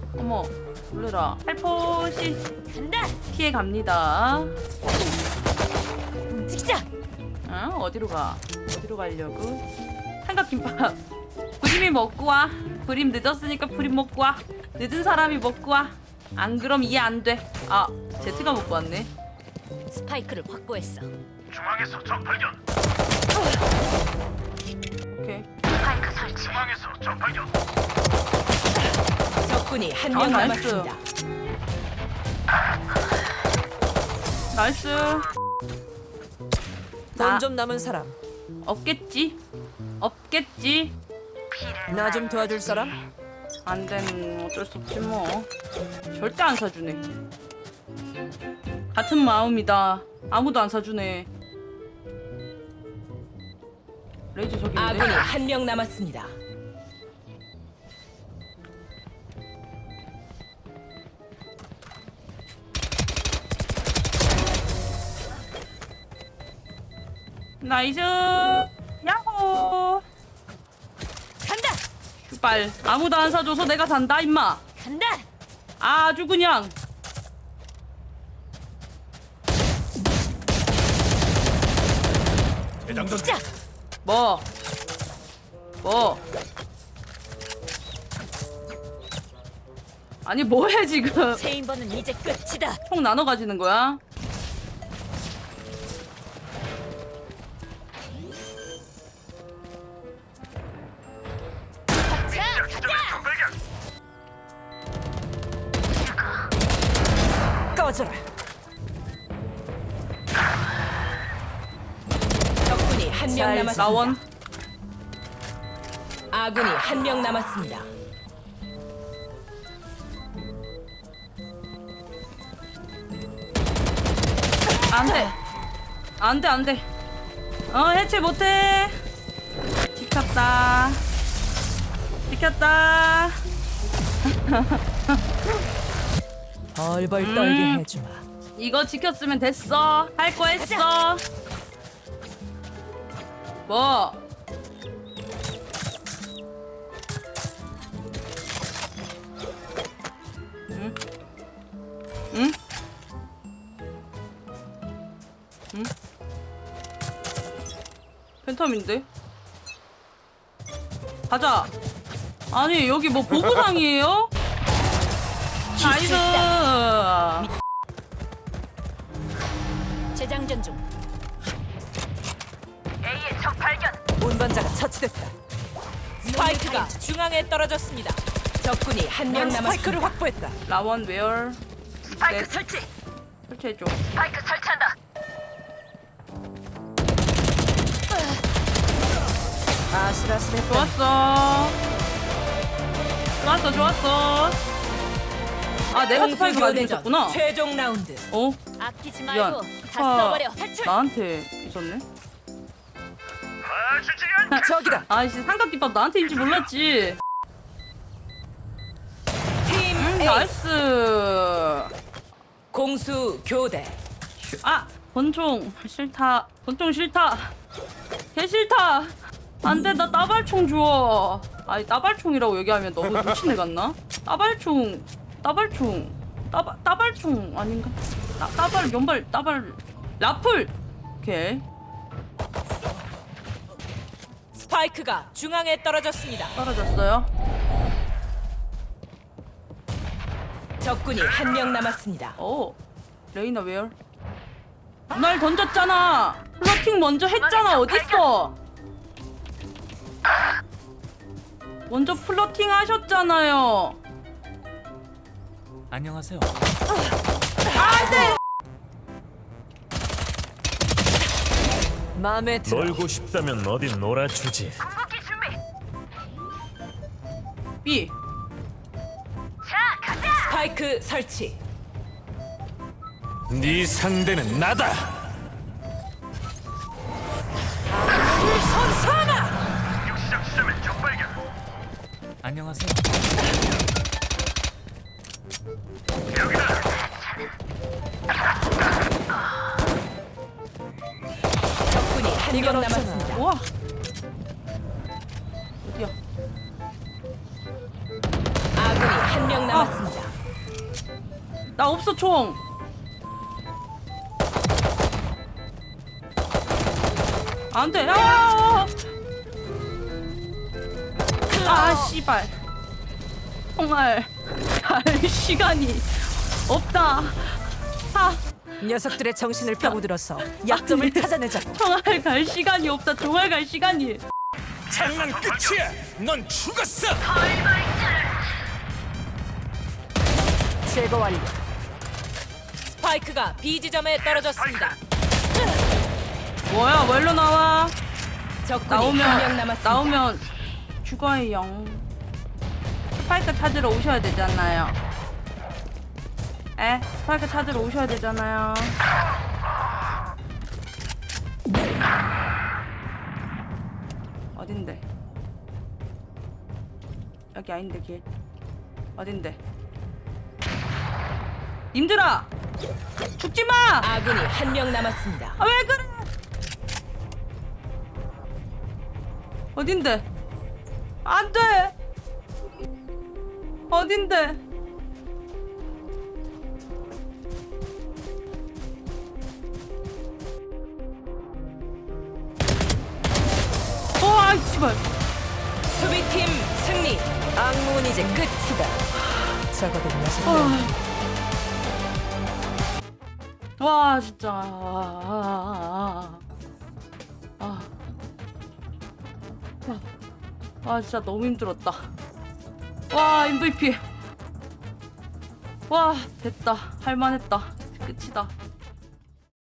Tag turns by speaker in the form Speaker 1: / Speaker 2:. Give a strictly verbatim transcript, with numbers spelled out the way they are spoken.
Speaker 1: 어머, 놀래라. 살포시
Speaker 2: 간다.
Speaker 1: 피해 갑니다.
Speaker 2: 움직이자.
Speaker 1: 어? 어디로 가? 어디로 가려고? 삼각김밥. 브림이 먹고 와. 브림 늦었으니까 브림 먹고 와. 늦은 사람이 먹고 와. 안 그럼 이해 안 돼. 아, 제트가 먹고 왔네.
Speaker 2: 스파이크를 확보했어.
Speaker 3: 중앙에서 적 발견.
Speaker 1: 오케이.
Speaker 2: 스파이크 설치.
Speaker 3: 중앙에서 적 발견.
Speaker 2: 적군이 한
Speaker 1: 아,
Speaker 2: 명
Speaker 1: 나이스.
Speaker 2: 남았습니다.
Speaker 1: 나이스. 나
Speaker 4: 돈 좀 남은 사람.
Speaker 1: 없겠지? 없겠지?
Speaker 4: 나 좀 도와줄 사람?
Speaker 1: 안 되면 어쩔 수 없지 뭐. 절대 안 사주네. 같은 마음이다. 아무도 안 사주네. 레이저 저기 있네.
Speaker 2: 아군이 한 명 남았습니다.
Speaker 1: 나이스. 야호.
Speaker 2: 간다.
Speaker 1: 슈발. 아무도 안 사줘서 내가 산다 임마.
Speaker 2: 간다.
Speaker 1: 아주 그냥.
Speaker 3: 대장전.
Speaker 2: 시작.
Speaker 1: 뭐? 뭐? 아니 뭐해 지금?
Speaker 2: 체인버는 이제 끝이다.
Speaker 1: 총 나눠 가지는 거야?
Speaker 2: 자,
Speaker 3: 지점에 적 발견.
Speaker 4: 꺼져라.
Speaker 2: 적군이 한 명
Speaker 4: 잘
Speaker 2: 남았습니다.
Speaker 1: 나원.
Speaker 2: 아군이 한 명 남았습니다.
Speaker 1: 안돼. 안돼 안돼. 어 해체 못해. 지켰다. 지켰다.
Speaker 4: 벌벌
Speaker 1: 음.
Speaker 4: 떨게 해주마.
Speaker 1: 이거 지켰으면 됐어. 할 거 했어. 뭐? 응? 응? 응? 팬텀인데? 가자. 아니 여기 뭐 보부상이에요? 나이스.
Speaker 2: 재장전 중.
Speaker 3: A의 적 발견.
Speaker 4: 운반자가 처치됐다.
Speaker 2: 스파이크가 중앙에 떨어졌습니다. 적군이 한 명
Speaker 4: 난
Speaker 2: 남았습니다.
Speaker 4: 스파이크를 확보했다.
Speaker 1: 라원 웨어.
Speaker 3: 스파이크
Speaker 1: 네.
Speaker 3: 설치.
Speaker 1: 설치해줘.
Speaker 3: 스파이크 설치한다.
Speaker 4: 아슬아슬했다.
Speaker 1: 좋았어. 좋았어, 좋았어. 아, 내가 스파이크 가지고
Speaker 2: 공수교대전
Speaker 1: 있었구나.
Speaker 2: 최종 라운드.
Speaker 1: 어?
Speaker 2: 아끼지
Speaker 1: 미안.
Speaker 2: 말고 다
Speaker 1: 아,
Speaker 2: 써버려. 탈출.
Speaker 1: 나한테 있었네.
Speaker 3: 봐주지 않.
Speaker 4: 저기다.
Speaker 1: 아이씨, 삼각김밥 나한테인지 몰랐지.
Speaker 2: 팀
Speaker 1: 음,
Speaker 2: A
Speaker 1: 나이스.
Speaker 2: 공수 교대.
Speaker 1: 아, 권총 싫다. 권총 싫다. 개 싫다. 안 돼, 나 따발총 줘. 아니, 따발총이라고 얘기하면 너무 미친애 같나? 따발총, 따발총, 따발, 따발총 아닌가? 따, 따발, 연발, 따발, 라플. 오케이.
Speaker 2: 스파이크가 중앙에 떨어졌습니다.
Speaker 1: 떨어졌어요.
Speaker 2: 적군이 한 명 남았습니다.
Speaker 1: 오, 레이나 웨어? 날 던졌잖아. 플러팅 먼저 했잖아. 어딨어? 먼저 플러팅 하셨잖아요.
Speaker 5: 안녕하세요.
Speaker 1: 안돼.
Speaker 4: 마음에 들어.
Speaker 3: 놀고 싶다면 어디 놀아주지.
Speaker 1: B.
Speaker 2: 스파이크 설치.
Speaker 3: 네 상대는 나다.
Speaker 2: 선사나.
Speaker 3: 시작 시점에 적 발견.
Speaker 5: 안녕하세요.
Speaker 3: 여기다.
Speaker 2: 적군이 한
Speaker 4: 이건
Speaker 2: 명
Speaker 4: 어쩌나.
Speaker 2: 남았습니다.
Speaker 1: 우와. 어디야?
Speaker 2: 아군이 한 명 명 남았습니다.
Speaker 1: 나 없어 총. 안돼. 아, 아 씨발. 총알 갈 시간이 없다. 아,
Speaker 4: 녀석들의 정신을 파고들어서 약점을 찾아내자.
Speaker 1: 총알 갈 시간이 없다. 총알 갈 시간이.
Speaker 3: 장난 끝이야. 넌 죽었어.
Speaker 4: 제거 완료.
Speaker 2: 스파이크가 B 지점에 떨어졌습니다.
Speaker 1: 뭐야? 뭘로 나와?
Speaker 2: 적군이 한 명
Speaker 1: 나오면
Speaker 2: 남았습니다.
Speaker 1: 나오면 죽어요. 스파이크 찾으러 오셔야 되잖아요. 에? 스파이크 찾으러 오셔야 되잖아요. 어딘데? 여기 아닌데 길. 어딘데? 님들아! 죽지 마!
Speaker 2: 아군이 한 명 남았습니다.
Speaker 1: 아, 왜 그래? 어딘데? 안 돼! 어딘데? 어, 아이, 씨발.
Speaker 2: 수비팀 승리.
Speaker 4: 악몽은 이제 끝이다. 적어도 녀석들.
Speaker 1: 와, 진짜. 아, 아, 아. 아. 아, 진짜 너무 힘들었다. 와, 엠브이피. 와, 됐다. 할만했다. 끝이다.